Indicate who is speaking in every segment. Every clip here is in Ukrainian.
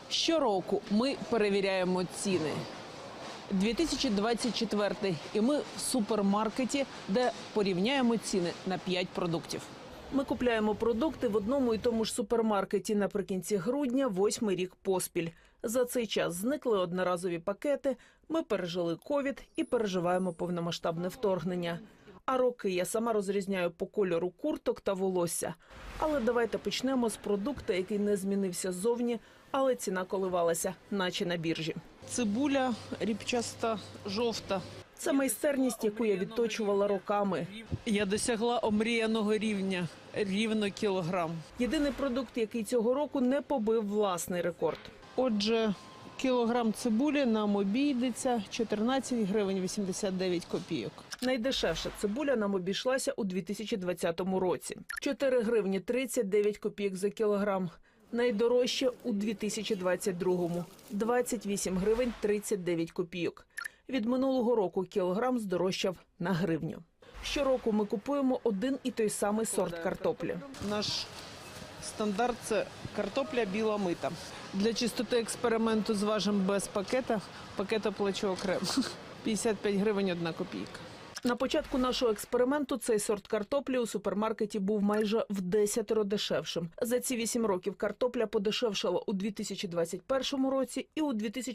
Speaker 1: Щороку ми перевіряємо ціни. 2024 і ми в супермаркеті, де порівняємо ціни на 5 продуктів. Ми купляємо продукти в одному і тому ж супермаркеті наприкінці грудня, 8-й рік поспіль. За цей час зникли одноразові пакети, ми пережили ковід і переживаємо повномасштабне вторгнення. А роки я сама розрізняю по кольору курток та волосся. Але давайте почнемо з продукту, який не змінився ззовні, але ціна коливалася, наче на біржі. Цибуля ріпчаста, жовта. Це майстерність, яку я відточувала роками. Я досягла омріяного рівня – рівно кілограм. Єдиний продукт, який цього року не побив власний рекорд. Отже, кілограм цибулі нам обійдеться 14 гривень 89 копійок. Найдешевша цибуля нам обійшлася у 2020 році. 4 гривні 39 копійок за кілограм. Найдорожче у 2022-му – 28 гривень 39 копійок. Від минулого року кілограм здорожчав на гривню. Щороку ми купуємо один і той самий сорт картоплі. Наш стандарт – це картопля біла мита. Для чистоти експерименту зважимо без пакета. Пакет оплачу окремо. 55 гривень 1 копійка. На початку нашого експерименту цей сорт картоплі у супермаркеті був майже в 10 дешевшим. За ці 8 років картопля подешевшала у 2021 році і у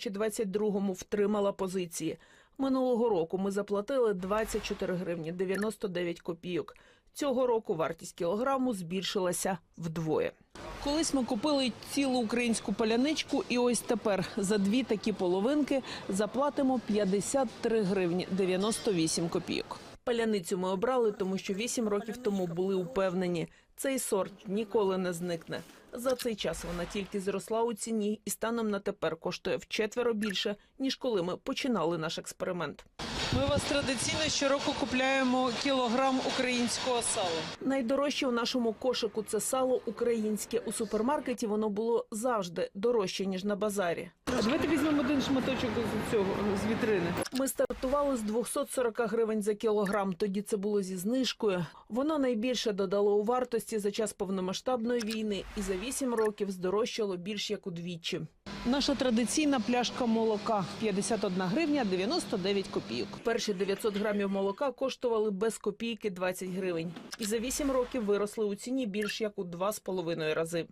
Speaker 1: 2022 втримала позиції. Минулого року ми заплатили 24 гривні 99 копійок. Цього року вартість кілограму збільшилася вдвоє. Колись ми купили цілу українську паляничку, і ось тепер за 2 такі половинки заплатимо 53 гривні 98 копійок. Паляницю ми обрали, тому що 8 років тому були упевнені – цей сорт ніколи не зникне. За цей час вона тільки зросла у ціні і станом на тепер коштує вчетверо більше, ніж коли ми починали наш експеримент. Ми у вас традиційно щороку купляємо кілограм українського сала. Найдорожче у нашому кошику – це сало українське. У супермаркеті воно було завжди дорожче, ніж на базарі. А давайте візьмемо один шматочок з вітрини. Ми стартували з 240 гривень за кілограм, тоді це було зі знижкою. Воно найбільше додало у вартості за час повномасштабної війни і за 8 років здорожчало більш як удвічі. Наша традиційна пляшка молока – 51 гривня 99 копійок. Перші 900 грамів молока коштували без копійки 20 гривень. І за 8 років виросли у ціні більш як у 2,5 рази.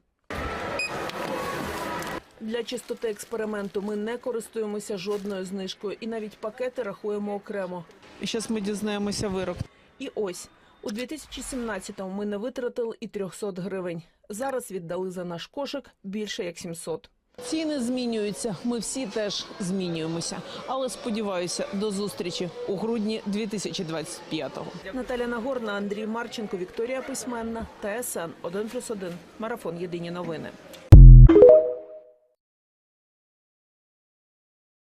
Speaker 1: Для чистоти експерименту ми не користуємося жодною знижкою і навіть пакети рахуємо окремо. І зараз ми дізнаємося вирок. І ось, у 2017-му ми не витратили і 300 гривень. Зараз віддали за наш кошик більше як 700. Ціни змінюються, ми всі теж змінюємося. Але сподіваюся, до зустрічі у грудні 2025-го. Наталя Нагорна, Андрій Марченко, Вікторія Письменна, ТСН 1+1. Марафон. Єдині новини.